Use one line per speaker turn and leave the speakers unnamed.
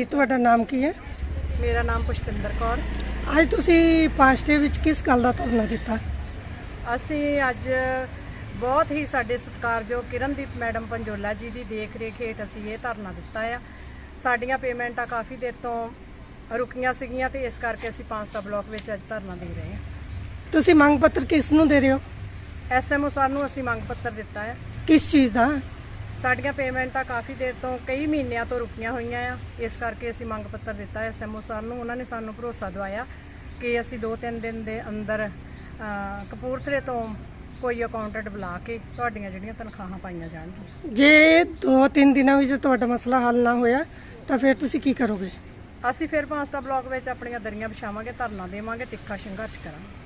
ਤੁਹਾਡਾ ਨਾਮ ਕੀ ਹੈ?
ਮੇਰਾ ਨਾਮ ਪੁਸ਼ਪਿੰਦਰ ਕੌਰ।
ਅੱਜ ਤੁਸੀਂ ਪਾਸਟੇ ਵਿੱਚ ਕਿਸ ਗੱਲ ਦਾ ਧਰਨਾ ਦਿੱਤਾ?
ਅਸੀਂ ਅੱਜ ਬਹੁਤ ਹੀ ਸਾਡੇ ਸਤਿਕਾਰਯੋਗ ਕਿਰਨਦੀਪ ਮੈਡਮ ਪੰਜੋਲਾ ਜੀ ਦੀ ਦੇਖ ਰੇਖ ਹੇਠ ਅਸੀਂ ਇਹ ਧਰਨਾ ਦਿੱਤਾ ਆ। ਸਾਡੀਆਂ ਪੇਮੈਂਟਾਂ ਕਾਫੀ ਦੇਰ ਤੋਂ ਰੁਕੀਆਂ ਸੀਗੀਆਂ ਤੇ ਇਸ ਕਰਕੇ ਅਸੀਂ ਪਾਂਸਟਾ ਬਲਾਕ ਵਿੱਚ ਅੱਜ ਧਰਨਾ ਦੇ ਰਹੇ ਹਾਂ।
ਤੁਸੀਂ ਮੰਗ ਪੱਤਰ ਕਿਸ ਨੂੰ ਦੇ ਰਹੇ ਹੋ?
ਐਸਐਮਓ ਸਰ ਨੂੰ ਅਸੀਂ ਮੰਗ ਪੱਤਰ ਦਿੱਤਾ ਆ।
ਕਿਸ ਚੀਜ਼ ਦਾ?
ਸਾਡੀਆਂ ਪੇਮੈਂਟਾਂ ਕਾਫੀ ਦੇਰ ਤੋਂ ਕਈ ਮਹੀਨਿਆਂ ਤੋਂ ਰੁਕੀਆਂ ਹੋਈਆਂ ਆ, ਇਸ ਕਰਕੇ ਅਸੀਂ ਮੰਗ ਪੱਤਰ ਦਿੱਤਾ ਐਸਐਮਓ ਸਰ ਨੂੰ। ਉਹਨਾਂ ਨੇ ਸਾਨੂੰ ਭਰੋਸਾ ਦਿਵਾਇਆ ਕਿ ਅਸੀਂ 2-3 ਦਿਨ ਦੇ ਅੰਦਰ ਕਪੂਰਥਲੇ ਤੋਂ ਕੋਈ ਅਕਾਊਂਟੈਂਟ ਬੁਲਾ ਕੇ ਤੁਹਾਡੀਆਂ ਜਿਹੜੀਆਂ ਤਨਖਾਹਾਂ ਪਾਈਆਂ ਜਾਣਗੀਆਂ।
ਜੇ 2-3 ਦਿਨਾਂ ਵਿੱਚ ਤੁਹਾਡਾ ਮਸਲਾ ਹੱਲ ਨਾ ਹੋਇਆ ਤਾਂ ਫਿਰ ਤੁਸੀਂ ਕੀ ਕਰੋਗੇ?
ਅਸੀਂ ਫਿਰ ਪਾਂਸਟਾ ਬਲਾਕ ਵਿੱਚ ਆਪਣੀਆਂ ਦਰੀਆਂ ਵਿਛਾਵਾਂਗੇ, ਧਰਨਾ ਦੇਵਾਂਗੇ, ਤਿੱਖਾ ਸੰਘਰਸ਼ ਕਰਾਂਗੇ।